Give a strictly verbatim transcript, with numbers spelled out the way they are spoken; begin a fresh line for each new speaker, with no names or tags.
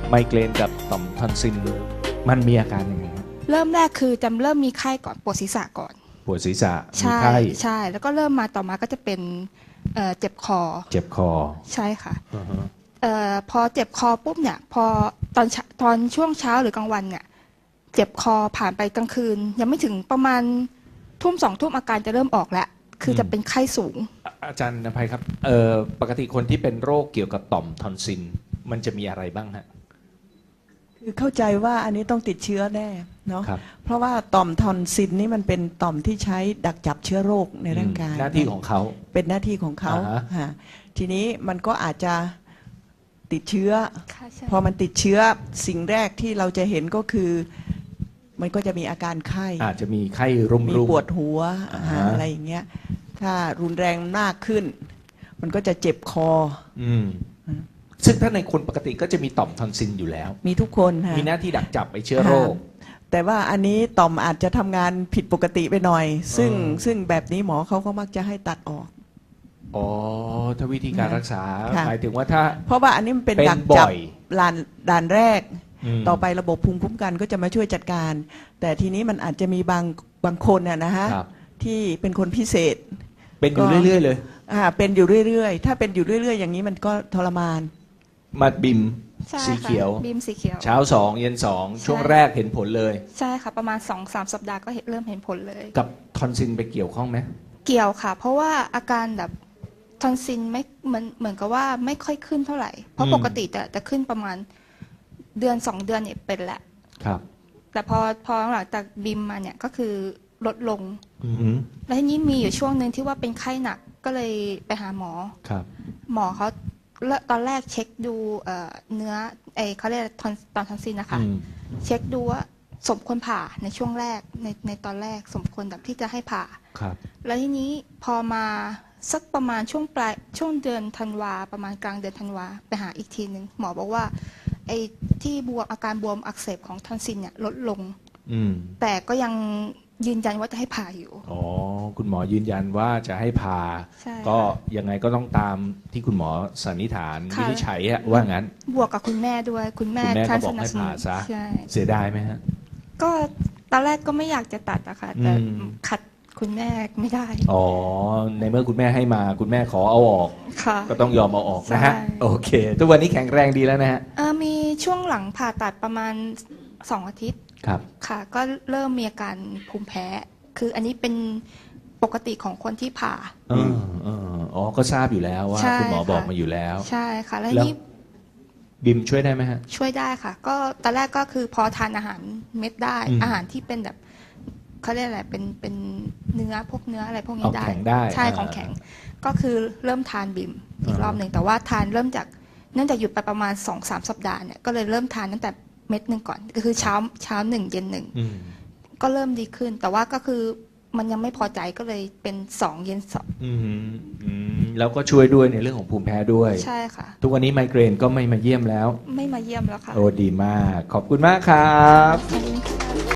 ไมเกรนกับต่อมทอนซิลมันมีอาการยังไงครับ
เริ่มแรกคือจำเริ่มมีไข้ก่อนปวดศีรษะก่อน
ปวดศีรษะมี
ใช่
ไข้
ใช่แล้วก็เริ่มมาต่อมาก็จะเป็นเอ่อเจ็บคอ
เจ็บคอ
ใช่ค่ะ
อือฮะ
เอ่อพอเจ็บคอปุ๊บเนี่ยพอตอนเช้าตอนช่วงเช้าหรือกลางวันเนี่ยเจ็บคอผ่านไปกลางคืน ยังไม่ถึงประมาณทุ่มสองทุ่มอาการจะเริ่มออกแล้วคือจะเป็นไข้สูง
อ่ะอาจารย์นภัยครับเอ่อปกติคนที่เป็นโรคเกี่ยวกับต่อมทอนซิลมันจะมีอะไรบ้างฮะ
คือเข้าใจว่าอันนี้ต้องติดเชื้อแน่เนาะ
ครับ
เพราะว่าต่อมทอนซิลนี่มันเป็นต่อมที่ใช้ดักจับเชื้อโรคในร่างกาย
หน้าที่ของเขา
เป็นหน้าที่ของเขา
อ่าฮะ
ฮะทีนี้มันก็อาจจะติดเชื้อ
ค่ะใช่
พอมันติดเชื้อสิ่งแรกที่เราจะเห็นก็คือ มันก็จะมีอาการไข้
อาจจะมีไข้รุม
มี
รุม
ปวดหัว
อ่า
อ่า
ฮะ
อะไรอย่างเงี้ยถ้ารุนแรงมากขึ้น มันก็จะเจ็บคอ
อืมซึ่งถ้าในคนปกติก็จะมีต่อมทอนซิลอยู่แล้ว
มีทุกคนฮะ
มีหน้าที่ดักจับไอเชื้อโรค
แต่ว่าอันนี้ต่อมอาจจะทำงานผิดปกติไปหน่อย ซึ่ง
อ๋อ
ซึ่งแบบนี้หมอเขาก็มักจะให้ตัดออก
อ๋อถ้าวิธีการ
นะ
รักษา
ค่ะ
หมายถึงว่าถ้า
เพราะว่าอันนี้มันเป็น
เป็น
ดักจับ
บ่อย
ด่านด่านแรก
ม
ต่อไประบบภูมิคุ้มกันก็จะมาช่วยจัดการ แต่ทีนี้มันอาจจะมีบางบางคนน่ะนะฮะ
ครับ
ที่เป็นคนพิเศษ
เป็นอยู่
ก็
เรื่อยๆเลย
อ่าเป็นอยู่เรื่อยๆ ถ้าเป็นอยู่เรื่อยๆ อย่างนี้มันก็ทรมาน
มาบิม
ใช่
สี
ค่ะ
เขียว
บีมสีเขียว
เช้าสองเย็นสองช่วงแรกเห็นผลเลย
ใช่ค่ะประมาณสองสามสัปดาห์ก็เห็นเริ่มเห็นผลเลย
กับทอนซิลไปเกี่ยวข้องไหม
เกี่ยวค่ะ เพราะว่าอาการแบบทอนซิลไม่เหมือนเหมือนกับว่าไม่ค่อยขึ้นเท่าไหร่ เพราะปกติแต่จะขึ้นประมาณเดือนสองเดือนเนี่ยเป็นแหละ
ครับ
แต่พอพอหลังจากบิมมาเนี่ยก็คือลดลง
อือหือ
แล้วทีนี้มีอยู่ช่วงหนึ่งที่ว่าเป็นไข้หนักก็เลยไปหาหมอ
ครับ
หมอเขาแล้วตอนแรกเช็คดูเอ่อเนื้อไอเขาเรียกทอนตอนทอนซิลนะคะ
อืม
เช็คดูว่าสมควรผ่าในช่วงแรกในในตอนแรกสมควรแบบที่จะให้ผ่า
ครับ
แล้วทีนี้พอมาสักประมาณช่วงปลายช่วงเดือนธันวาประมาณกลางเดือนธันวาไปหาอีกทีหนึ่งหมอบอกว่าไอ้ที่บวมอาการบวมอักเสบของทอนซิลเนี่ยลดลง
อืม
แต่ก็ยังยืนยันว่าจะให้ผ่าอยู่
อ๋อคุณหมอยืนยันว่าจะให้ผ่า
ใช่
ก็ยังไงก็ต้องตามที่คุณหมอสันนิษฐาน
ค่ะ
วินิจฉัยอะว่างั้น
บวกกับคุณแม่ด้วยคุณแม่
คุณแม่ก็
ท่าน
บอ
ส
ก
นั
ให้
บสนุ
ผ่าน ซะ
ใช่
เสียดายไหมฮะ
ก็ตอนแรกก็ไม่อยากจะตัดอะค่ะแต่
อืม
ขัดคุณแม่ไม่ได้
อ๋อในเมื่อคุณแม่ให้มาคุณแม่ขอเอาออก
ค่ะ
ก็ต้องยอมเอาออกนะฮะ
ใช่
โอเค ทุกวันนี้แข็งแรงดีแล้วนะฮะ
เอ่อมีช่วงหลังผ่าตัดประมาณสองอาทิตย์
ครับ
ค่ะ ก็เริ่มมีอาการภูมิแพ้ คืออันนี้เป็นปกติของคนที่ผ่า
เออเอออ๋อก็ทราบอยู่แล้วว่า
ใช่
คุณหมอ
ค่ะ
บอกมาอยู่แล้ว
ใช่ค่ะ แล้ว
แล้ว
นี่
บิมช่วยได้ไหมฮะ
ช่วยได้ค่ะ ก็ตอนแรกก็คือพอทานอาหารเม็ดได้
อืม
อาหารที่เป็นแบบเขาเรียกอะไรเป็นเป็นเนื้อพวกเนื้ออะไรพวกนี้
เอา
ได้
แข็งได้
ใช่
อ่า
ของแข็ง ก็คือเริ่มทานบิมอีก
อ่าร
อบหนึ่งแต่ว่าทานเริ่มจากเนื่องจากหยุดไปประมาณสองสามสัปดาห์เนี่ยก็เลยเริ่มทานตั้งแต่เม็ดหนึ่งก่อนก็คือเช้าเช้าหนึ่งเย็นหนึ่ง
อืม
ก็เริ่มดีขึ้น แต่ว่าก็คือมันยังไม่พอใจก็เลยเป็นสองเย็นสอง
อืมอืมแล้วก็ช่วยด้วยในเรื่องของภูมิแพ้ด้วย
ใช่ค่ะ
ทุกวันนี้ไมเกรนก็ไม่มาเยี่ยมแล้ว
ไม่มาเยี่ยมแล้วค่ะ
โอ้ดีมาก ขอบคุณมากครับ
ขอบคุณค่ะ